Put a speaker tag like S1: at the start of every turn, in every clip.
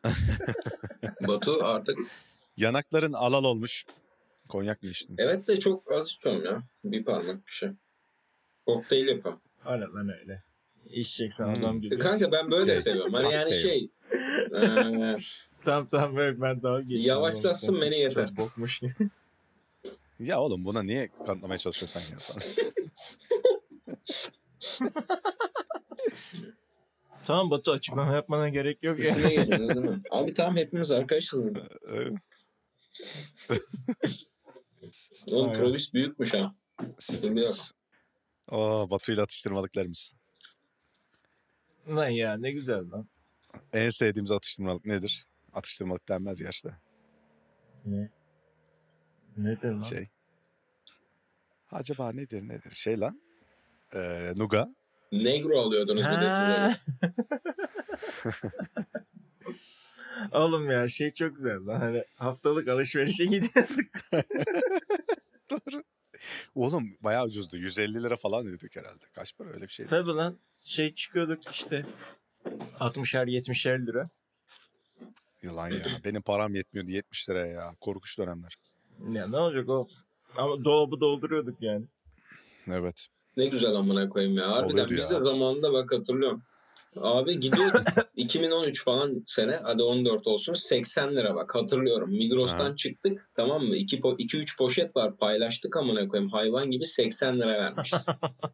S1: Batu artık
S2: Yanakların alal olmuş. Konyak mı içtin?
S1: evet de çok az içiyorum ya. Bir parmak bir şey. Kokteyl yapıyorum.
S3: Hala lan öyle. İçeceksen
S2: Hmm.
S3: adam gibi.
S1: Kanka ben böyle
S2: Şey,
S1: seviyorum. Hani yani
S2: cocktail.
S3: Tamam böyle ben daha geçtim.
S1: Yavaşlatsın beni yeter.
S3: Çok bokmuş gibi.
S2: Ya oğlum buna niye kanıtlamaya çalışıyorsun ya falan.
S3: Tamam Batu, açıklama yapmana gerek yok ya.
S1: Üstüne geldiniz değil mi? Abi tamam hepimiz arkadaşız. Oğlum probis büyükmüş ha. Sıkıntı yok.
S2: Batu'yla atıştırmalıklarımız.
S3: Lan ya ne güzel lan.
S2: En sevdiğimiz atıştırmalık nedir? Atıştırmalık denmez yaşta.
S3: Ne? Nedir lan?
S2: Şey. Acaba nedir? Şey lan. Nuga.
S1: Negro alıyordunuz bir de size.
S3: Oğlum ya şey çok güzel lan. Hani haftalık alışverişe gidiyorduk.
S2: Doğru. Oğlum bayağı ucuzdu. 150 lira falan ödedik herhalde. Kaç para öyle bir şeydi.
S3: Tabii lan şey çıkıyorduk işte 60'er 70'er lira.
S2: Yalan ya. Benim param yetmiyordu 70 liraya ya. Korkunç dönemler.
S3: Ya ne olacak o? Ama dolabı dolduruyorduk yani.
S2: Evet.
S1: Ne güzel amına koyayım ya. Harbiden
S2: Oluyordu
S1: biz
S2: ya.
S1: de zamanında bak hatırlıyorum. Abi gidiyorduk 2013 falan sene, hadi 14 olsun, 80 lira bak hatırlıyorum. Migros'tan çıktık, tamam mı? 2-3 poşet var, paylaştık amına koyayım, hayvan gibi 80 lira vermişiz.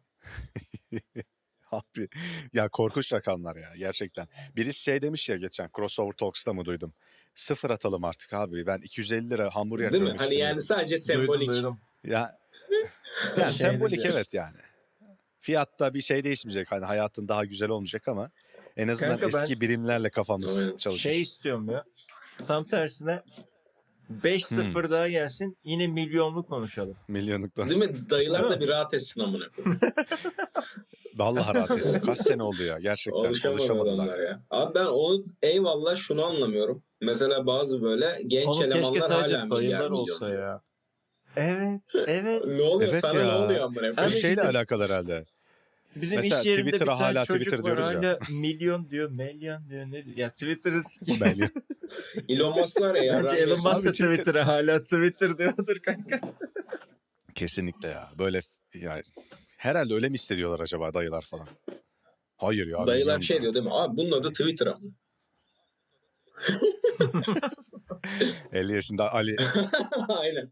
S2: Abi ya korkunç rakamlar ya gerçekten. Birisi şey demiş ya geçen Crossover Talks'ta mı duydum? Sıfır atalım artık abi. Ben 250 lira hamburger
S1: Değil mi?
S2: görmek
S1: Hani yani
S2: istemiyorum.
S1: sadece sembolik.
S3: Duydum.
S2: Ya yani
S3: Şey
S2: sembolik
S3: dedi.
S2: evet yani. Fiyatta bir şey değişmeyecek. Hani hayatın daha güzel olmayacak ama en azından
S3: Kanka ben
S2: eski birimlerle kafamız
S1: Aynen.
S2: çalışır.
S3: şey istiyorum ya. Tam tersine 5-0 daha gelsin yine milyonlu konuşalım.
S2: Milyonluktan.
S1: Değil mi? Dayılar
S3: Değil
S1: da
S3: mi?
S1: bir rahat etsin amına koyayım.
S2: Vallahi rahat etsin. Kaç sene oldu ya gerçekten.
S1: Alışamadı
S2: Alışamadılar
S1: adamlar
S2: ya.
S1: ya. Abi ben onu eyvallah şunu anlamıyorum. Mesela bazı böyle genç
S3: Oğlum keşke
S1: elemanlar
S3: sadece
S1: hala milyar
S3: dayılar
S1: milyon
S3: olsa
S1: diyor.
S3: ya. Evet, evet.
S1: Ne oluyor?
S2: Evet
S1: Sana
S2: ya.
S1: ne oluyor amına
S2: Bu
S1: koyayım?
S3: Abi
S2: şeyle
S3: işte
S2: alakalı herhalde.
S3: bizim
S2: Mesela
S3: iş yerinde
S2: Twitter'a
S3: bir tane
S2: hala
S3: çocuk
S2: Twitter
S3: var
S2: diyoruz ya.
S3: hala milyon diyor, milyon diyor ne diyor. Ya Twitter'ı
S2: Belli.
S1: Elon Musk var ya.
S3: Bence
S1: yarrak
S3: Elon
S1: yesin.
S3: Musk da
S2: Abi Twitter-
S3: Twitter'a hala Twitter diyordur kanka.
S2: Kesinlikle ya. Böyle yani herhalde öyle mi hissediyorlar acaba dayılar falan? Hayır ya.
S1: Dayılar
S2: milyon
S1: şey diyor
S2: artık.
S1: değil mi? Abi bunun adı Twitter ama.
S2: 50 yaşında Ali.
S1: Aynen.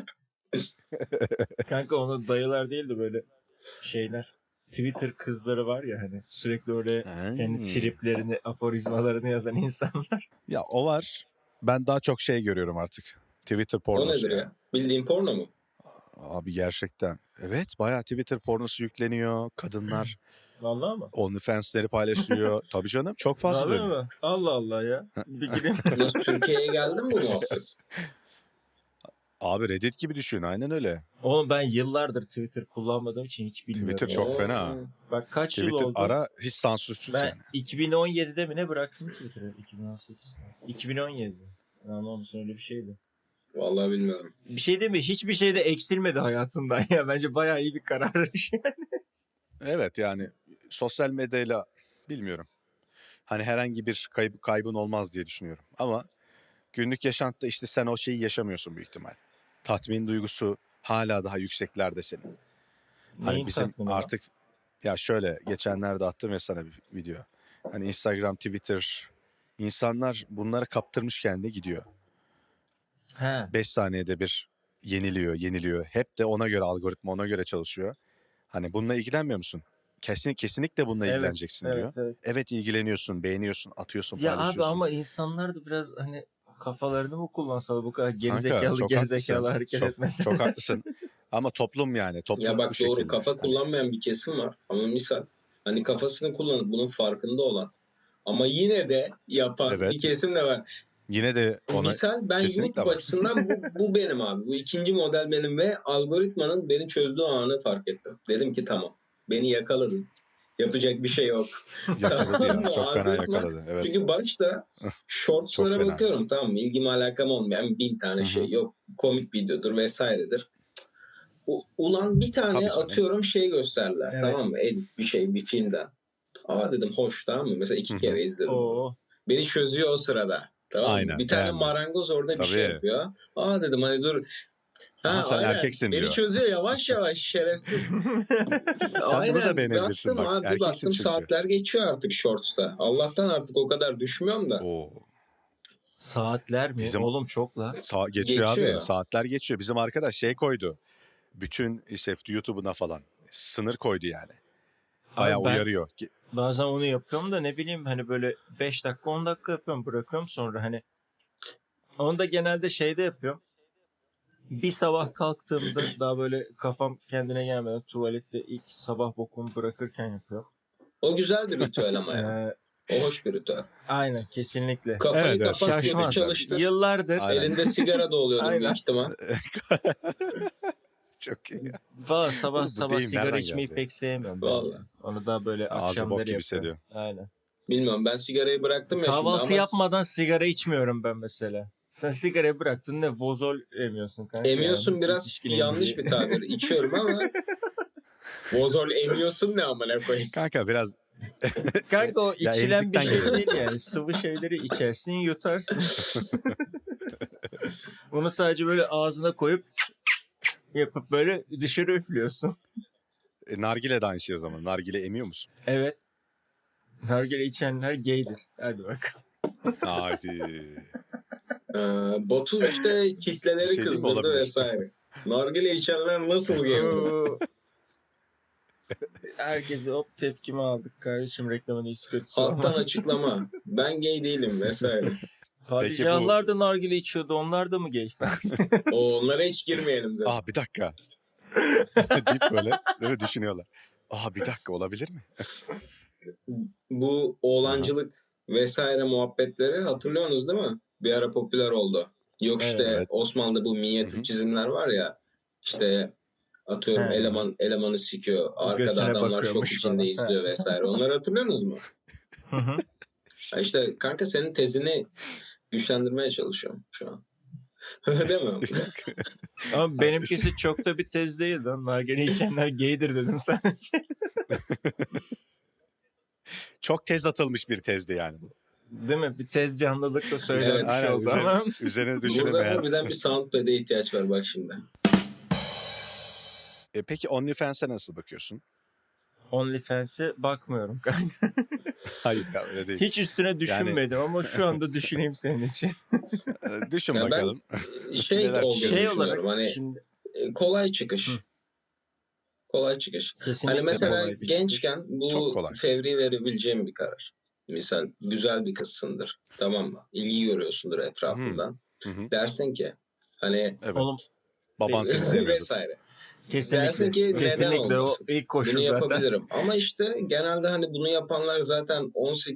S3: Kanka onu dayılar değil de böyle şeyler. Twitter kızları var ya hani sürekli öyle kendi triplerini, aforizmalarını yazan insanlar.
S2: Ya o var. Ben daha çok şey görüyorum artık. Twitter
S1: O
S2: pornosu
S1: nedir ya? Bildiğin porno mu?
S2: Abi gerçekten. Evet bayağı Twitter pornosu yükleniyor. Kadınlar
S3: Vallahi mı?
S2: OnlyFans'leri paylaşıyor. Tabii canım çok fazla
S3: Vallahi
S2: dönüyor.
S3: mi? Allah Allah ya. Bir gireyim.
S1: Nasıl Türkiye'ye geldi mi bu muhabbet?
S2: Abi Reddit gibi düşün aynen öyle.
S3: Oğlum ben yıllardır Twitter kullanmadığım için hiç bilmiyorum.
S2: Twitter çok
S1: Oo.
S2: fena.
S3: Bak kaç yıl
S2: Twitter
S3: oldu?
S2: ara hiç sansürsüz
S3: Ben
S2: yani.
S3: 2017'de mi ne bıraktım Twitter'ı? 2018. 2017. Anlamışsın öyle bir şeydi.
S1: Vallahi bilmiyorum.
S3: Bir şey değil mi? Hiçbir şey de eksilmedi hayatımdan ya. Bence bayağı iyi bir kararmış.
S2: Evet yani sosyal medyayla bilmiyorum. Hani herhangi bir kaybın olmaz diye düşünüyorum. Ama günlük yaşantıda işte sen o şeyi yaşamıyorsun büyük ihtimal. Tatmin duygusu hala daha yükseklerde senin. Hani
S3: Neyin
S2: bizim
S3: tatmini lan?
S2: artık ya şöyle geçenlerde attım ya sana bir video. Hani Instagram, Twitter insanlar bunlara kaptırmış kendine gidiyor.
S3: He.
S2: 5 saniyede bir yeniliyor. Hep de ona göre algoritma ona göre çalışıyor. Hani bununla ilgilenmiyor musun? Kesinlikle bununla
S3: Evet,
S2: ilgileneceksin diyor.
S3: evet.
S2: Evet ilgileniyorsun, beğeniyorsun, atıyorsun,
S3: Ya abi
S2: paylaşıyorsun.
S3: ama insanlar da biraz hani kafalarını mı kullansalar bu kadar
S2: Kanka, çok
S3: gerizekalı
S2: haklısın.
S3: hareket etmesin.
S2: Çok haklısın. Ama toplum yani toplum
S1: Ya
S2: bu
S1: bak doğru,
S2: şekilde.
S1: kafa
S2: Hani
S1: kullanmayan bir kesim var. Ama misal hani kafasını kullanıp bunun farkında olan ama yine de yapan
S2: Evet.
S1: bir kesim de var.
S2: yine de ona
S1: Misal ben
S2: kesinlikle
S1: YouTube
S2: var.
S1: açısından bu benim abi. Bu ikinci model benim ve algoritmanın beni çözdüğü anı fark ettim. Dedim ki tamam, beni yakaladın. Yapacak bir şey yok.
S2: Yakaladı
S1: Tamam
S2: ya.
S1: mı?
S2: Çok fena
S1: Algoritma.
S2: yakaladı. Evet.
S1: Çünkü başta
S2: Çok
S1: shortslara
S2: fena
S1: bakıyorum, tamam mı? İlgim alakam olmayan 1000 tane
S2: Hı hı.
S1: şey. Yok komik videodur vesairedir. Ulan bir tane
S2: Tabii canım.
S1: atıyorum şey gösterdiler,
S3: Evet.
S1: tamam mı? Bir şey, bir filmden. Aa dedim hoş, tamam mı? Mesela 2
S2: Hı hı.
S1: kere izledim onu.
S3: Oo.
S1: Beni çözüyor o sırada. Tamam mı?
S2: Aynen,
S1: Bir tane
S2: beğendim.
S1: marangoz orada bir şey
S2: Tabii.
S1: yapıyor. Aa dedim hani dur.
S2: Aha, sen
S1: Aynen.
S2: erkeksin
S1: Beni
S2: diyor.
S1: çözüyor yavaş yavaş şerefsiz.
S2: Sen bunu da
S1: Aynen.
S2: beğenebilirsin
S1: Baktım
S2: bak.
S1: abi bir
S2: Erkeksin
S1: baktım
S2: çünkü.
S1: saatler geçiyor artık shorts'ta. Allah'tan artık o kadar düşmüyorum da.
S2: Oo.
S3: Saatler mi?
S2: Bizim
S3: Oğlum çok la.
S2: geçiyor abi.
S1: Geçiyor.
S2: Saatler geçiyor. Bizim arkadaş şey koydu. Bütün işte YouTube'una falan sınır koydu yani. Bayağı
S3: Abi ben
S2: uyarıyor.
S3: bazen onu yapıyorum da ne bileyim hani böyle 5 dakika 10 dakika yapıyorum bırakıyorum sonra hani onu da genelde şeyde yapıyorum. Bir sabah kalktığımda daha böyle kafam kendine gelmeden tuvalette ilk sabah bokumu bırakırken yapıyorum.
S1: O güzel bir ritüel ama ya.
S3: Ee,
S1: O hoş bir ritüel.
S3: aynen kesinlikle.
S1: Kafayı
S2: Evet, evet.
S1: kapat, gözü
S3: Şaşmaz.
S1: çalıştır.
S3: Yıllardır
S2: Aynen.
S1: Elinde sigara da oluyordur
S3: Aynen.
S1: büyük ihtimal.
S2: Çok iyi.
S3: valla sabah
S2: Oğlum bu
S3: sabah
S2: deyim
S3: sigara
S2: nereden
S3: içmeyi
S2: geldi?
S3: pek sevmiyorum. ben
S1: Vallahi.
S3: yani. Onu da böyle
S2: Ağzı bok
S3: akşamları
S2: gibi
S3: yapıyorum.
S2: hissediyor.
S3: Aynen.
S1: Bilmiyorum ben sigarayı bıraktım ya şimdi
S3: Kahvaltı
S1: ama
S3: yapmadan sigara içmiyorum ben mesela. Sen sigarayı bıraktın ne vozol emiyorsun kanka.
S1: emiyorsun
S3: yani.
S1: biraz
S3: Yetişkin
S1: yanlış
S3: emziği.
S1: bir tabir. İçiyorum ama bozol emiyorsun ne amına koyayım.
S2: Kanka biraz
S3: Kanka o
S2: ya
S3: içilen bir
S2: emzikten
S3: şey
S2: geliyor.
S3: değil yani. Sıvı şeyleri içersin yutarsın. Bunu sadece böyle ağzına koyup yapıp böyle dışarı üflüyorsun.
S2: Nargile de aynı şey o zaman. Nargile emiyor musun?
S3: Evet. Nargile içenler gaydir. Hadi bak.
S2: Haydi.
S1: Batu işte
S2: Bir
S1: kitleleri
S2: şey değil mi?
S1: kızdırdı
S2: Olabilir.
S1: vesaire. Nargile içenler nasıl geliyor?
S3: Oo. Herkese hop tepkimi aldık kardeşim reklamın iyisi kötüsü
S1: Alttan
S3: olmaz.
S1: açıklama. Ben gay değilim vesaire.
S3: Padişahlar da nargile içiyordu onlar da mı gay?
S1: Onlara hiç girmeyelim zaten.
S2: Bir dakika. deyip böyle değil mi, düşünüyorlar. Bir dakika olabilir mi?
S1: Bu oğlancılık vesaire muhabbetleri hatırlıyorsunuz değil mi? Bir ara popüler oldu. Yok işte
S2: Evet.
S1: Osmanlı'da bu minyatür
S2: Hı hı.
S1: çizimler var ya işte atıyorum
S3: He.
S1: elemanı sikiyor. Arkada
S3: Götüne
S1: adamlar şok
S3: bakıyormuş
S1: içinde
S3: falan.
S1: izliyor vesaire. Onları hatırlıyorsunuz mu?
S3: Hı hı.
S1: Ha işte kanka senin tezini güçlendirmeye çalışıyorum şu an. Değil mi?
S3: Ama benimkisi çok da bir tez değil lan. Nargile içenler gaydir dedim sadece.
S2: Çok tez atılmış bir tezdi yani bu.
S3: Değil mi? Bir tez canlılıkla söylenmiş
S1: Evet,
S2: aynen,
S3: oldu ama.
S2: üzerine
S1: Burada
S2: düşünemeyen.
S1: harbiden bir soundpad'e ihtiyaç var bak şimdi.
S2: Peki OnlyFans'e nasıl bakıyorsun?
S3: OnlyFans'e bakmıyorum kanka.
S2: Hayır ya öyle değil.
S3: Hiç üstüne düşünmedim ama şu anda düşüneyim senin için.
S2: Düşün
S1: Ya ben
S2: bakalım.
S1: şey
S2: Neler
S1: olduğunu
S3: Şey olarak
S1: düşünüyorum. Hani
S3: şimdi
S1: kolay çıkış.
S3: Hı.
S1: Kolay çıkış.
S3: kesinlikle
S1: Hani mesela
S3: kolay bir
S1: gençken
S2: Çok
S1: bu
S2: kolay.
S1: fevri verebileceğim bir karar. Misal güzel bir kızsındır. Tamam mı? İlgi görüyorsundur etrafından.
S2: Hı hı.
S1: Dersin ki hani
S2: Evet.
S3: Oğlum
S2: Baban seni sevmiyordur.
S1: vesaire.
S3: kesinlikle.
S1: Dersin ki neden
S3: Kesinlikle o
S1: olmasın?
S3: ilk koşul
S1: Bunu
S3: zaten.
S1: yapabilirim. Ama işte genelde hani bunu yapanlar zaten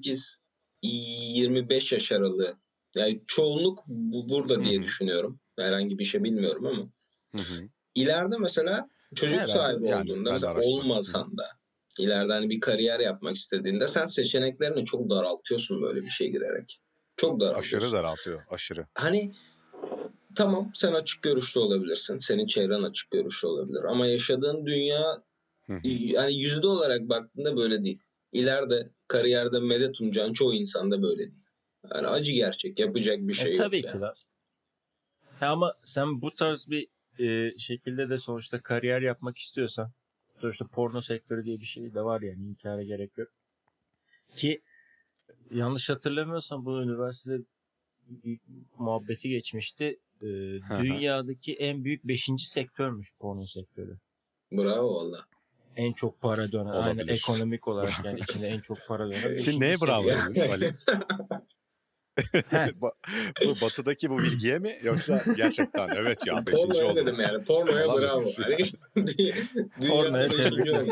S1: 18-25 yaş aralığı. Yani çoğunluk burada diye
S2: Hı hı.
S1: düşünüyorum. Herhangi bir şey bilmiyorum ama.
S2: Hı hı.
S1: İleride mesela çocuk
S3: Herhalde.
S1: sahibi
S2: Yani
S1: olduğunda
S2: ben de
S1: mesela
S2: araştırdım.
S1: olmasan da ileride hani bir kariyer yapmak istediğinde sen seçeneklerini çok daraltıyorsun böyle bir şeye girerek. Çok
S2: Aşırı
S1: daraltıyorsun.
S2: daraltıyor. Aşırı.
S1: Hani tamam sen açık görüşlü olabilirsin. Senin çevren açık görüşlü olabilir. Ama yaşadığın dünya
S2: Hı hı.
S1: yani yüzde olarak baktığında böyle değil. İleride kariyerde medet umacağın çoğu insanda böyle değil. Yani acı gerçek. Yapacak bir şey yok
S3: Tabii
S1: yani.
S3: ki de. Ama sen bu tarz bir şekilde de sonuçta kariyer yapmak istiyorsan sonuçta porno sektörü diye bir şey de var yani inkara gerek yok. Ki yanlış hatırlamıyorsam bu üniversitede bir muhabbeti geçmişti.
S2: Hı hı.
S3: Dünyadaki en büyük 5. sektörmüş porno sektörü.
S1: Bravo valla.
S3: En çok para dönen, aynı
S2: Olabilir.
S3: ekonomik olarak yani içinde en çok para dönen 5.
S2: Şimdi neye bravo
S3: sektör.
S2: dedin Ali?
S3: Heh.
S2: Bu Batı'daki bu bilgiye mi yoksa gerçekten evet ya 5.
S1: Pornoya
S2: oldu.
S1: dedim yani. Pornoya
S2: Falan
S1: bravo.
S2: demişsin.
S1: Hani
S3: Pornoya
S1: dünyada 5.
S3: tebrikler.
S1: olmuş.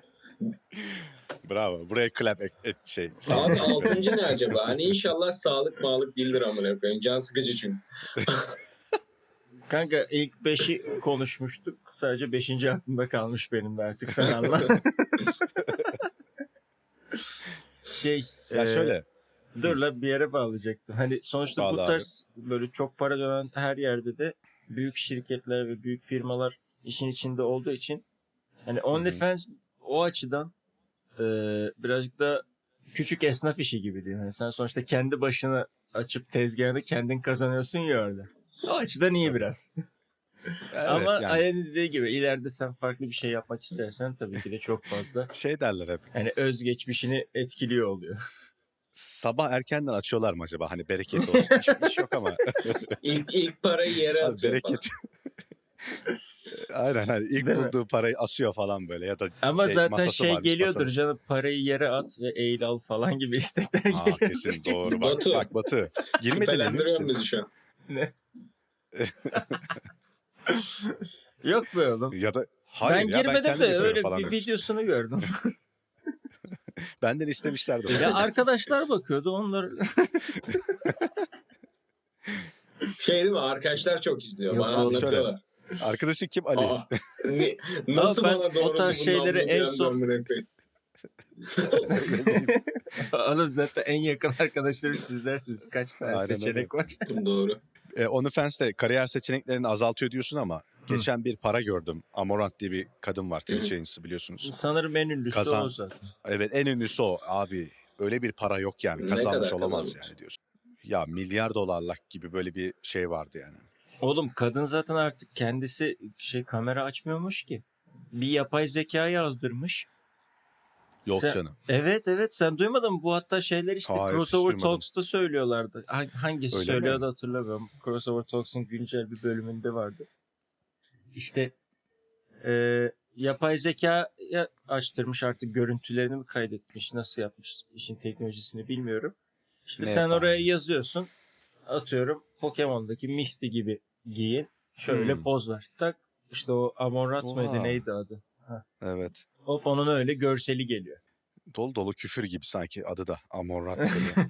S2: Bravo. Buraya clap şey.
S1: Abi
S2: sound.
S1: 6. ne acaba? Hani inşallah sağlık mağlık değildir amına koyayım. Can sıkıcı çünkü.
S3: Kanka ilk 5'i konuşmuştuk. Sadece 5. aklımda kalmış benim de artık sen anla.
S2: Ya şöyle.
S3: Dur la bir yere bağlayacaktım. Hani sonuçta
S2: Bağla
S3: bu
S2: abi.
S3: tarz böyle çok para dönen her yerde de büyük şirketler ve büyük firmalar işin içinde olduğu için hani OnlyFans o açıdan birazcık da küçük esnaf işi gibi diyor. Yani sen sonuçta kendi başına açıp tezgahını kendin kazanıyorsun ya orada. O açıdan iyi
S2: Tabii.
S3: biraz.
S2: Evet
S3: Ama
S2: yani
S3: Aya'nın dediği gibi ileride sen farklı bir şey yapmak istersen tabii ki de çok fazla
S2: şey derler hep.
S3: hani özgeçmişini etkiliyor oluyor.
S2: Sabah erkenden açıyorlar mı acaba? Hani bereket olsun. İş yok ama.
S1: İlk parayı yere
S2: Abi
S1: atıyor
S2: bereket.
S1: falan.
S2: Aynen hani ilk
S3: Değil mi?
S2: bulduğu parayı asıyor falan böyle ya da
S3: Ama zaten
S2: masası
S3: şey
S2: varmış
S3: geliyordur
S2: masanın.
S3: canım, parayı yere at ve eğil al falan gibi istekler
S2: Aa
S3: geliyordur
S2: kesin doğru bak.
S1: Batu.
S2: Bak Batu. Girmedin emin
S1: Şüphelendiriyor
S2: misin?
S1: bizi şu an.
S3: Ne? Yok be oğlum.
S2: Ya da hayır
S3: Ben
S2: ya ben
S3: girmedim
S2: kendim
S3: de
S2: yapıyorum
S3: öyle
S2: falan
S3: bir
S2: demiş.
S3: videosunu gördüm.
S2: Benden istemişlerdi
S3: Ya
S2: bunu.
S3: arkadaşlar bakıyordu, onlar
S1: Şey değil mi? Arkadaşlar çok izliyor.
S3: yok
S1: Bana
S3: oğlum.
S2: Şöyle.
S1: anlatıyorlar.
S2: Arkadaşın kim? Ali.
S1: Aa, ne-
S3: Ama
S1: nasıl
S3: ben
S1: bana
S3: o
S1: doğruldu
S3: tarz
S1: bunun
S3: şeyleri
S1: namına
S3: en
S1: bir anda
S3: son
S1: amına koyayım?
S2: Ne bileyim.
S3: Oğlum zaten en yakın arkadaşları sizlersiniz. Kaç tane
S2: Aynen öyle.
S3: seçenek var?
S1: Doğru.
S2: OnlyFans'te kariyer seçeneklerini azaltıyor diyorsun ama geçen bir para gördüm. Amorant diye bir kadın var. Twitch yayıncısı biliyorsunuz.
S3: Sanırım en ünlüsü o zaten.
S2: Evet en ünlüsü o. Abi öyle bir para yok yani.
S1: Ne
S2: Kazanmış
S1: kadar
S2: olamaz
S1: kazanmış?
S2: yani diyorsun. Ya milyar dolarlık gibi böyle bir şey vardı yani.
S3: Oğlum kadın zaten artık kendisi kamera açmıyormuş ki. Bir yapay zeka yazdırmış.
S2: Yok
S3: Sen-
S2: canım.
S3: Evet sen duymadın mı? Bu hatta şeyler işte
S2: Hayır, hiç
S3: Crossover
S2: duymadım.
S3: Talks'ta söylüyorlardı. Hangisi
S2: Öyle
S3: söylüyordu
S2: mi?
S3: hatırlamıyorum. Crossover Talks'un güncel bir bölümünde vardı. İşte yapay zeka açtırmış, artık görüntülerini mi kaydetmiş, nasıl yapmış, işin teknolojisini bilmiyorum. İşte
S2: Ne
S3: sen
S2: yapar
S3: oraya
S2: yani?
S3: yazıyorsun, atıyorum Pokemon'daki Misty gibi giyin, şöyle poz ver. Tak işte o Amon
S2: Oha.
S3: mıydı neydi adı?
S2: Evet.
S3: Hop onun öyle görseli geliyor.
S2: Dolu dolu küfür gibi sanki adı da. Amorant böyle.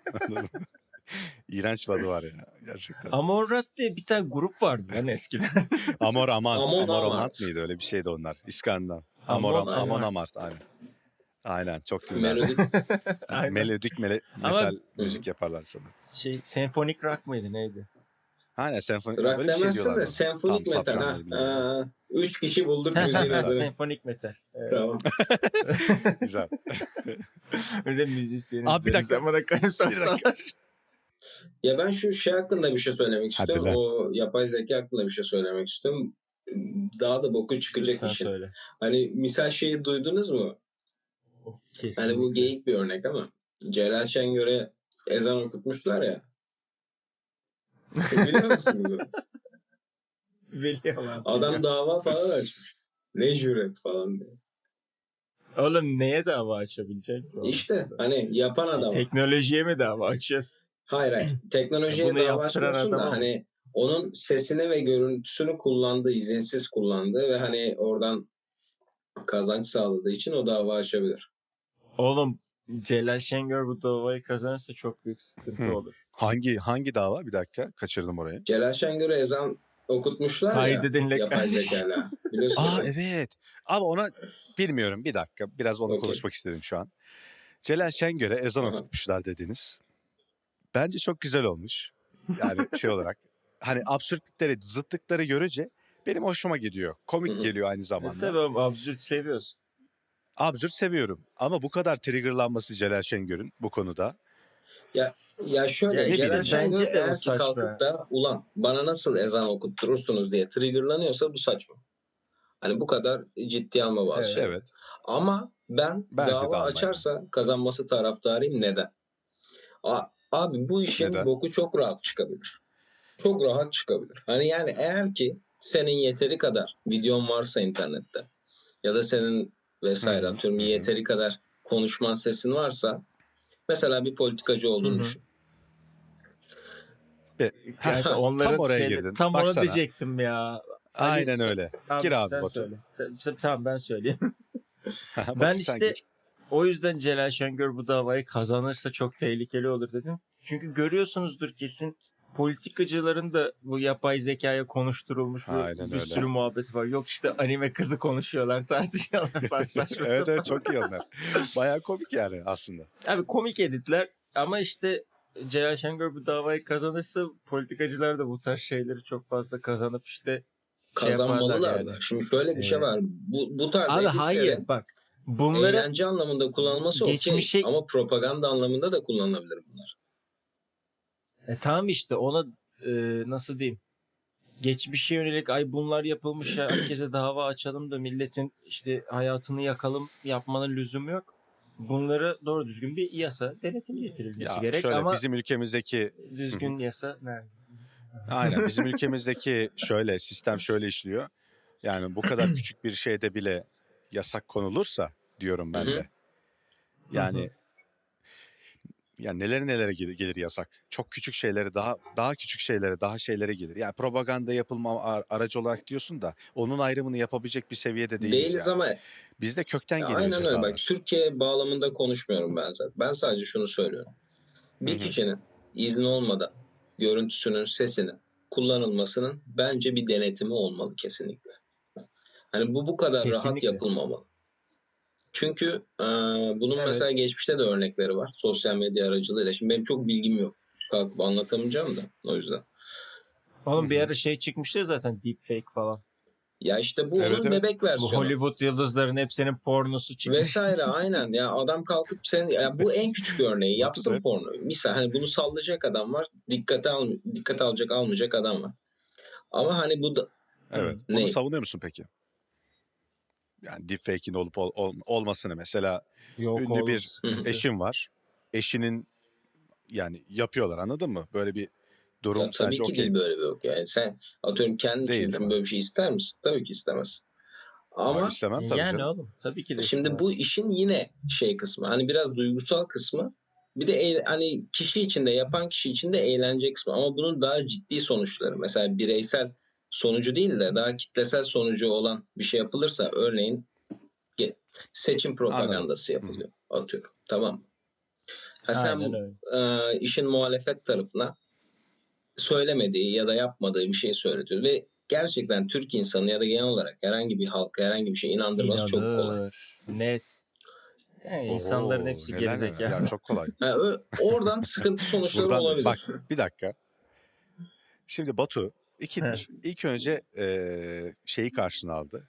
S2: İğrenç bir adı var ya gerçekten.
S3: Amon diye bir tane grup vardı lan eskiden.
S2: Amor Amant.
S1: Amon
S2: Amor
S1: Amart.
S2: Amant mıydı? Öyle bir şeydi onlar. İskandinav.
S3: Amon
S2: Amon
S3: Amart.
S2: Amart. Aynen. Aynen çok dinlerler.
S1: Melodik.
S3: Aynen.
S2: Melodik
S3: Ama-
S2: metal müzik yaparlar sanırım.
S3: Senfonik rock mıydı neydi?
S2: Aynen senfoni
S1: Rock
S2: böyle bir şey
S1: demezsin
S2: diyorlar
S1: de
S2: bana.
S1: senfonik
S2: Tam
S1: metal ha.
S2: sapranları bilmiyorum.
S1: 3 kişi bulduk müziğin adını.
S3: Senfonik metal. Evet.
S1: Tamam.
S2: Güzel.
S3: Bir de müzisyeniz.
S2: Abi bir dakika.
S3: Zamana kayıp
S1: Ya ben şu şey hakkında bir şey söylemek
S2: Hadi
S1: istiyorum.
S2: lan.
S1: O yapay zeka hakkında bir şey söylemek istiyorum. Daha da boku çıkacak
S3: Lütfen
S1: işin.
S3: söyle.
S1: Hani misal şeyi duydunuz mu?
S3: Kesinlikle.
S1: Hani bu geyik bir örnek ama Celal Şengör'e ezan okutmuşlar ya. Biliyor musunuz?
S3: Biliyorum.
S1: Adam dava falan açmış. Ne cüret falan diye.
S3: Oğlum neye dava açabilecek?
S1: İşte hani yapan adam.
S3: Teknolojiye mi dava açacağız?
S1: Hayır. Teknolojiye
S3: Bunu
S1: dava
S3: yaptıran
S1: açmıyorsun da
S3: adama mı?
S1: hani onun sesini ve görüntüsünü kullandığı, izinsiz kullandığı ve hani oradan kazanç sağladığı için o dava açabilir.
S3: Oğlum Celal Şengör bu davayı kazanırsa çok büyük sıkıntı olur.
S2: Hangi dava? Bir dakika kaçırdım orayı.
S1: Celal Şengör'e ezan okutmuşlar
S3: Kaydedin
S1: ya yapay
S3: kardeşim.
S1: zekayla. Biliyorsun
S2: Aa
S1: değil mi?
S2: evet. Ama ona bilmiyorum bir dakika. Biraz onu
S1: Okey.
S2: konuşmak istedim şu an. Celal Şengör'e ezan
S1: Aha.
S2: okutmuşlar dediniz. Bence çok güzel olmuş. Yani şey olarak. Hani absürtlükleri, zıtlıkları görünce benim hoşuma gidiyor. Komik
S1: Hı hı.
S2: geliyor aynı zamanda.
S3: Tabii oğlum, absürt seviyoruz.
S2: Absürt seviyorum. Ama bu kadar triggerlanması Celal Şengör'ün bu konuda.
S1: Ya şöyle
S3: Ya
S1: Celal
S2: bileyim
S1: Şengör
S3: bence de o
S1: eğer ki
S3: saçma.
S1: kalkıp da ulan bana nasıl ezan okutturursunuz diye triggerlanıyorsa bu saçma. Hani bu kadar ciddiye alma bazı
S3: Evet.
S1: şeyleri.
S2: Evet.
S1: Ama ben
S2: Bence de
S1: dava
S2: almayın.
S1: açarsa kazanması taraftarıyım. Neden? Abi bu işin
S2: Neden?
S1: boku çok rahat çıkabilir. Çok rahat çıkabilir. Hani yani eğer ki senin yeteri kadar videon varsa internette ya da senin vesaire
S2: Hı hı,
S1: atıyorum
S2: hı hı.
S1: yeteri kadar konuşman sesin varsa mesela bir politikacı olduğunu
S3: Hı hı.
S1: düşün.
S3: Kanka
S2: Tam
S3: onların
S2: oraya girdin.
S3: tam onu
S2: Baksana.
S3: diyecektim ya.
S2: Aynen öyle. Gir abi
S3: sen
S2: Batu.
S3: söyle. Tamam ben söyleyeyim.
S2: Batu
S3: Ben
S2: sen
S3: işte
S2: gir.
S3: o yüzden Celal Şengör bu davayı kazanırsa çok tehlikeli olur dedim. Çünkü görüyorsunuzdur kesin politikacıların da bu yapay zekaya konuşturulmuş
S2: Aynen
S3: bir
S2: öyle.
S3: sürü muhabbet var. Yok işte anime kızı konuşuyorlar, tartışıyorlar falan saçma
S2: Evet
S3: sapan.
S2: evet çok iyi onlar. Bayağı komik yani aslında.
S3: Abi komik editler ama işte Celal Şengör bu davayı kazanırsa politikacılar da bu tarz şeyleri çok fazla kazanıp işte
S1: Kazanmalılar
S3: yaparlar
S1: da.
S3: yani.
S1: Şimdi şöyle bir şey var. Bu tarz
S3: Abi
S1: editlerin
S3: hayır bak bunları
S1: eğlence anlamında kullanılması okey.
S3: geçmişe
S1: Ama propaganda anlamında da kullanılabilir bunlar.
S3: Tamam işte ona nasıl diyeyim? Geçmişe yönelik ay bunlar yapılmış ya herkese dava açalım da milletin işte hayatını yakalım yapmanın lüzumu yok. Bunları doğru düzgün bir yasa denetim getirilmesi
S2: Ya
S3: gerek
S2: şöyle
S3: ama
S2: bizim ülkemizdeki Hı hı.
S3: düzgün yasa nerede?
S2: Aynen bizim ülkemizdeki şöyle sistem şöyle işliyor. Yani bu kadar küçük bir şeyde bile yasak konulursa diyorum
S1: Hı
S2: ben
S1: hı.
S2: de. Yani nelere gelir yasak. Çok küçük şeylere daha küçük şeylere daha şeylere gelir. Yani propaganda yapılma aracı olarak diyorsun da onun ayrımını yapabilecek bir seviyede değiliz
S1: Değiliz
S2: yani.
S1: ama
S2: Bizde kökten geliyor
S1: aynen öyle. Bak
S2: cezalar.
S1: Türkiye bağlamında konuşmuyorum ben zaten. Ben sadece şunu söylüyorum.
S2: Hı
S1: Bir
S2: hı.
S1: kişinin izni olmadan görüntüsünün, sesinin kullanılmasının bence bir denetimi olmalı kesinlikle. Hani bu kadar rahat
S3: Kesinlikle.
S1: yapılmamalı. Çünkü bunun
S3: Evet.
S1: mesela geçmişte de örnekleri var. Sosyal medya aracılığıyla. Şimdi benim çok bilgim yok. Kalkıp anlatamayacağım da o yüzden.
S2: Hı
S3: Oğlum bir
S2: hı.
S3: ara şey çıkmıştı ya zaten deepfake falan.
S1: Ya işte bu
S2: Evet
S1: onun
S2: evet.
S1: bebek
S3: Bu
S1: versiyonu.
S3: Hollywood yıldızların hepsinin pornosu çıkmış.
S1: Vesaire aynen. Ya adam kalkıp ya bu en küçük örneği
S2: Batu da
S1: yapsın
S2: hep
S1: pornoyu. Misal hani bunu sallayacak adam var. Dikkate alacak almayacak adam var. Ama hani bu da
S2: evet. Bunu
S1: ne?
S2: savunuyor musun peki? Yani deepfake'in olup olmasını mesela
S3: Yok
S2: ünlü
S3: oğlum
S2: bir
S3: sıkıntı.
S2: eşin var. Eşinin yani yapıyorlar anladın mı? Böyle bir
S1: Ya
S2: durum
S1: tabii
S2: sence
S1: ki
S2: okey
S1: değil
S2: mi?
S1: böyle bir yok. Yani sen atıyorum kendin için
S2: Değil değil
S1: düşün
S2: mi?
S1: böyle bir şey ister misin? Tabii ki istemezsin.
S2: Aa,
S1: Ama
S2: istemem tabii
S3: Yani
S2: canım.
S3: oğlum tabii ki de
S1: şimdi bu
S3: istemez.
S1: işin yine şey kısmı. Hani biraz duygusal kısmı. Bir de hani kişi için de yapan kişi için de eğlence kısmı. Ama bunun daha ciddi sonuçları. Mesela bireysel sonucu değil de daha kitlesel sonucu olan bir şey yapılırsa örneğin ge- seçim
S2: Anladım.
S1: propagandası
S2: Hı hı.
S1: yapılıyor. Atıyorum. Tamam mı? Ha
S3: Aynen
S1: sen
S3: öyle.
S1: işin muhalefet tarafına söylemediği ya da yapmadığı bir şey söyletiyor ve gerçekten Türk insanı ya da genel olarak herhangi bir halka herhangi bir şey inandırması çok kolay.
S3: İnanır. Net. Yani insanların
S2: Oo,
S3: hepsi
S2: neler neler. Ya
S3: gerizekalı.
S2: çok kolay.
S1: Ha, oradan sıkıntı sonuçları
S2: Buradan bak
S1: olabilir.
S2: bir dakika. Şimdi Batu
S3: Heh.
S2: ikidir. İlk önce şeyi karşına aldı.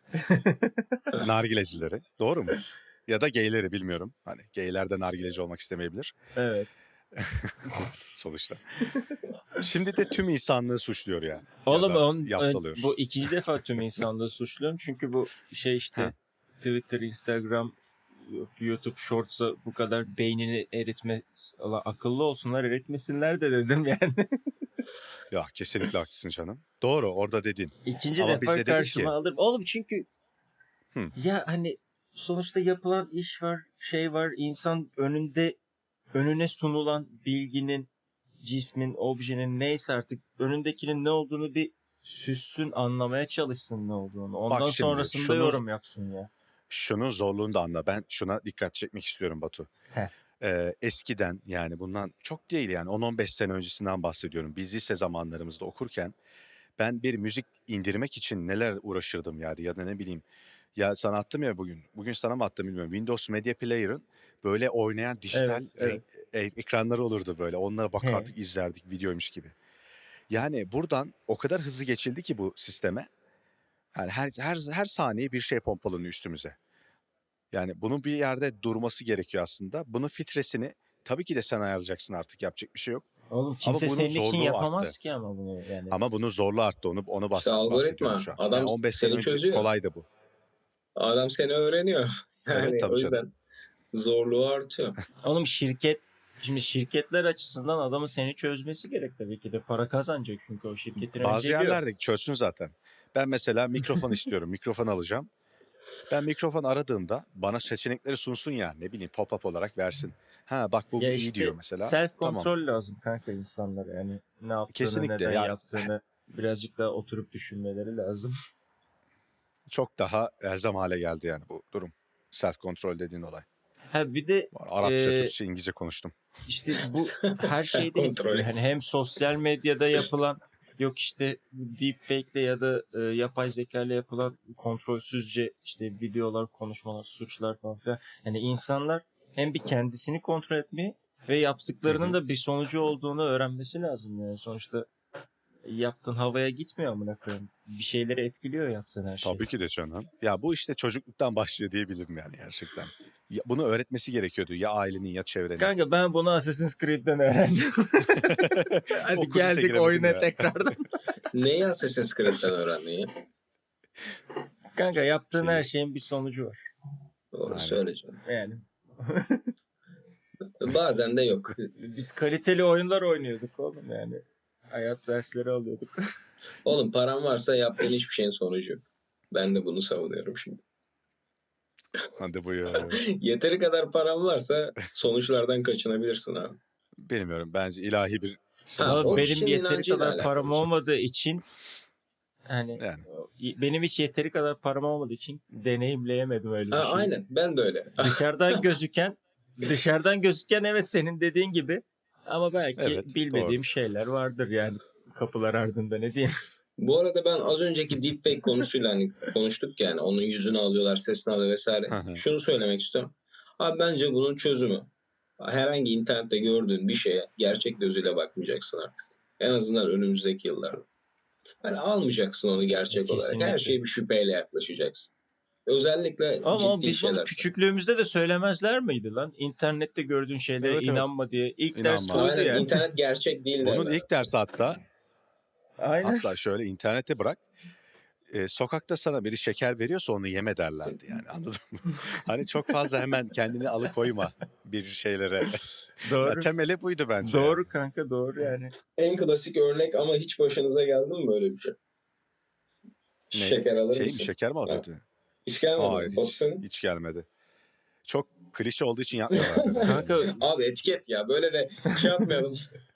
S2: Nargilecileri. Doğru mu? Ya da gayleri bilmiyorum. Hani gayler de nargileci olmak istemeyebilir
S3: Evet.
S2: sonuçta. Şimdi de tüm insanlığı suçluyor yani. Ya
S3: Oğlum
S2: da yaftalıyor.
S3: bu ikinci defa tüm insanlığı suçluyorum. Çünkü bu şey
S2: Ha.
S3: işte Twitter, Instagram, YouTube Shorts'a bu kadar beynini eritme. Allah akıllı olsunlar eritmesinler de dedim yani.
S2: Ya kesinlikle haklısın canım. Doğru orada dedin.
S3: İkinci
S2: Ama biz
S3: defa
S2: de dedik
S3: karşıma
S2: ki
S3: alırım. Oğlum çünkü
S2: hı,
S3: ya hani sonuçta yapılan iş var, şey var. İnsan önüne sunulan bilginin, cismin, objenin neyse artık önündekinin ne olduğunu bir süssün, anlamaya çalışsın ne olduğunu.
S2: bak
S3: Ondan
S2: şimdi
S3: sonrasında yorum yapsın ya.
S2: şunun zorluğunu da anla. Ben şuna dikkat çekmek istiyorum Batu.
S3: Heh.
S2: Eskiden yani bundan çok değil yani 10-15 sene öncesinden bahsediyorum. Biz lise zamanlarımızda okurken ben bir müzik indirmek için neler uğraşırdım yani ya da ne bileyim. Ya sana attım ya bugün. Bugün sana mı attım bilmiyorum. Windows Media Player'ın böyle oynayan dijital
S3: Evet, evet.
S2: ekranları olurdu böyle. Onlara
S3: He.
S2: bakardık, izlerdik videoymuş gibi. Yani buradan o kadar hızlı geçildi ki bu sisteme. Yani her saniye bir şey pompalanıyor üstümüze. Yani bunun bir yerde durması gerekiyor aslında. Bunun filtresini tabii ki de sen ayarlayacaksın artık yapacak bir şey yok.
S3: Oğlum
S2: Ama
S3: kimse
S2: bunun
S3: senin için
S2: zorluğu arttı.
S3: yapamaz ki ama bunu yani.
S2: Ama bunun zorluğu arttı. Onu
S1: İşte
S2: bahsediyorum
S1: algoritma
S2: şu an. Yani
S1: adam
S2: 15 sene
S1: seni
S2: önce
S1: çözüyor.
S2: kolaydı bu.
S1: Adam seni öğreniyor.
S2: Evet
S1: Yani
S2: tabii
S1: o
S2: canım.
S1: yüzden zorluğu artıyor.
S3: Oğlum şimdi şirketler açısından adamın seni çözmesi gerek tabii ki de. Para kazanacak çünkü o şirketin
S2: Bazı
S3: önceliği o.
S2: yerlerde çözsün zaten. Ben mesela mikrofon istiyorum. Mikrofon alacağım. Ben mikrofon aradığımda bana seçenekleri sunsun ya. Ne bileyim pop-up olarak versin. Ha bak bu
S3: Ya
S2: iyi
S3: işte
S2: diyor mesela.
S3: self
S2: Tamam.
S3: kontrol lazım kanka insanlara. Yani ne yaptığını,
S2: Kesinlikle.
S3: neden
S2: Ya
S3: yaptığını birazcık daha oturup düşünmeleri lazım.
S2: çok daha elzem hale geldi yani bu durum. Self kontrol dediğin olay.
S3: Ha bir de
S2: Arapça, Türkçe, İngilizce konuştum.
S3: işte bu her
S1: Sen
S3: şeyde
S1: kontrol
S3: etkiliyor. Hani
S1: et.
S3: hem sosyal medyada yapılan yok işte deepfake'le ya da yapay zeka ile yapılan kontrolsüzce işte videolar, konuşmalar, suçlar falan filan. Yani insanlar hem bir kendisini kontrol etmeyi ve
S2: Hı
S3: yaptıklarının
S2: hı.
S3: da bir sonucu olduğunu öğrenmesi lazım yani. Sonuçta yaptığın havaya gitmiyor amına koyayım. Bir şeyleri etkiliyor yaptığın her şey.
S2: Tabii ki de canım. Ya bu işte çocukluktan başlıyor diyebilirim yani gerçekten. bunu öğretmesi gerekiyordu ya ailenin ya çevrenin.
S3: Kanka ben bunu Assassin's Creed'den öğrendim. Hadi
S2: O kudüse
S3: geldik
S2: giremedim
S3: oyuna
S2: ya.
S3: tekrardan.
S1: Neyi Assassin's Creed'den öğrendin ya?
S3: Kanka yaptığın
S2: Şey-
S3: her şeyin bir sonucu var.
S1: Doğru
S2: Aynen.
S1: söyleyeceğim.
S3: Yani
S1: Bazen de yok.
S3: biz kaliteli oyunlar oynuyorduk oğlum yani. Hayat dersleri alıyorduk.
S1: Oğlum paran varsa yaptığın hiçbir şeyin sonucu yok. Ben de bunu savunuyorum şimdi.
S2: Hadi buyur.
S1: Yeteri kadar paran varsa sonuçlardan kaçınabilirsin abi.
S2: Bilmiyorum. Bence ilahi bir
S1: Ha,
S3: Ama
S1: o
S3: benim
S1: kişinin
S3: yeteri
S1: inancıyla
S3: kadar
S1: alakalı
S3: param
S1: bir şey.
S3: olmadığı için yani
S2: Yani.
S3: benim hiç yeteri kadar param olmadığı için deneyimleyemedim öyle bir
S1: Ha,
S3: şey.
S1: aynen ben de öyle.
S3: Dışarıdan gözüken evet senin dediğin gibi ama belki
S2: Evet,
S3: bilmediğim
S2: doğru.
S3: şeyler vardır yani kapılar ardında ne diyeyim.
S1: Bu arada ben az önceki deepfake konusuyla hani konuştuk yani onun yüzünü alıyorlar, sesini alıyor vesaire.
S2: Hı hı.
S1: Şunu söylemek istiyorum. Abi bence bunun çözümü herhangi internette gördüğün bir şeye gerçek gözüyle bakmayacaksın artık. En azından önümüzdeki yıllarda. Hani almayacaksın onu gerçek olarak. Her
S3: Kesinlikle.
S1: şeye bir şüpheyle yaklaşacaksın. Özellikle
S3: Ama
S1: ciddi
S3: biz bunu
S1: şeyler.
S3: küçüklüğümüzde de söylemezler miydi lan? İnternette gördüğün şeylere
S2: Evet, evet.
S3: inanma diye. İlk
S2: İnanma.
S3: ders buydu
S1: Aynen
S3: yani.
S1: internet gerçek değil
S2: Bunun
S1: derler.
S2: ilk dersi
S3: Aynen.
S2: hatta şöyle internete bırak. Sokakta sana biri şeker veriyorsa onu yeme derlerdi yani, anladın mı? Hani çok fazla hemen kendini alıkoyma bir şeylere.
S3: Doğru.
S2: Ya, temeli buydu bence.
S3: Doğru kanka doğru yani.
S1: En klasik örnek ama hiç başınıza geldi mi böyle bir şey?
S2: Ne?
S1: Şeker alır
S2: Şey mi,
S1: mısın?
S2: şeker mi
S1: Ha.
S2: alıyordu?
S1: Hiç gelmedi mi?
S2: Hayır,
S1: Batu
S2: hiç,
S1: senin?
S2: hiç gelmedi. Çok klişe olduğu için yapmıyorlardı.
S3: Kanka
S1: Abi etiket ya böyle de şey yapmayalım.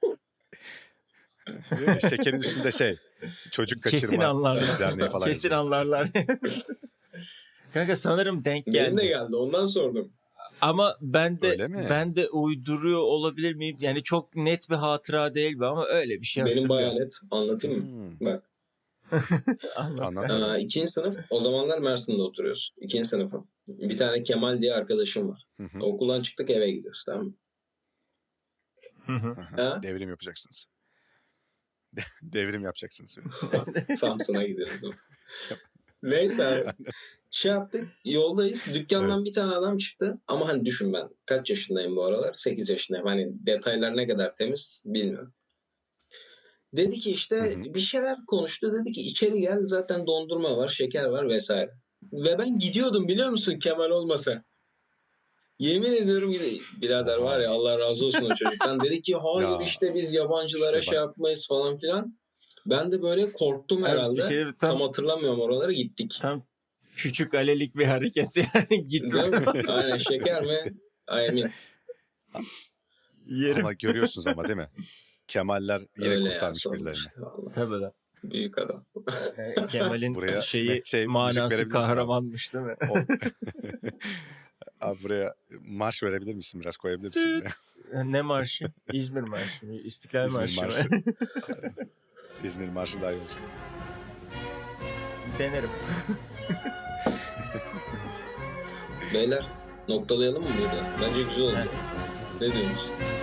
S2: Şekerin üstünde çocuk
S3: kesin
S2: kaçırma
S3: anlarlar.
S2: derneği falan
S3: Kesin
S2: yazıyor.
S3: anlarlar. Kanka sanırım denk
S1: Benim de
S3: geldi.
S1: geldi ondan sordum.
S3: Ama
S2: Öyle mi?
S3: ben de uyduruyor olabilir miyim? Yani çok net bir hatıra değil bu ama öyle bir şey
S1: Benim
S3: hatırlıyorum.
S1: bayağı net. Anlatayım mı? Bak.
S3: Anlat.
S2: Anlat.
S3: kanka.
S1: İkinci sınıf. O zamanlar Mersin'de oturuyoruz. İkinci sınıfım. Bir tane Kemal diye arkadaşım var.
S2: Hı hı.
S1: Okuldan çıktık eve gidiyoruz tamam mı?
S3: Hı hı.
S1: Ha?
S2: Devrim yapacaksınız. Devrim yapacaksınız.
S1: Samsun'a gidiyoruz. Neyse abi. Şey yaptık. Yoldayız. Dükkandan bir tane adam çıktı. Ama hani düşün ben. Kaç yaşındayım bu aralar? 8 yaşındayım. Hani detaylar ne kadar temiz bilmiyorum. Dedi ki işte
S2: Hı hı.
S1: bir şeyler konuştu. Dedi ki içeri gel zaten dondurma var, şeker var vesaire. Ve ben gidiyordum biliyor musun Kemal olmasa. Yemin ediyorum birader var ya Allah razı olsun o çocuktan. Dedi ki hayır
S2: Ya,
S1: işte biz yabancılara
S2: işte
S1: şey
S2: bak.
S1: yapmayız falan filan. Ben de böyle korktum
S3: Abi
S1: herhalde.
S3: bir şey
S1: Tam
S3: tam
S1: hatırlamıyorum oralara gittik.
S3: küçük alelik bir hareket yani gitme.
S1: Değil mi? Aynen şeker mi? Emin.
S3: Yerim.
S2: Ama görüyorsunuz ama değil mi? Kemaller yine
S1: Öyle ya
S2: kurtarmış
S1: sorma
S2: birilerini.
S1: işte vallahi.
S3: Tabii lan.
S1: Büyük adam.
S3: Yani Kemal'in
S2: Buraya
S3: şeyi
S2: müzik
S3: manası
S2: verebilirsin
S3: kahramanmış değil mi?
S2: Abi buraya marş verebilir misin? Biraz koyabilir misin buraya?
S3: Ne marşı? İzmir marşı mı? İstiklal
S2: İzmir
S3: marşı mı?
S2: marşı. İzmir marşı daha iyi olacak.
S3: Denerim.
S1: Beyler noktalayalım mı burada? Bence güzel oldu.
S3: Evet.
S1: Ne diyorsunuz?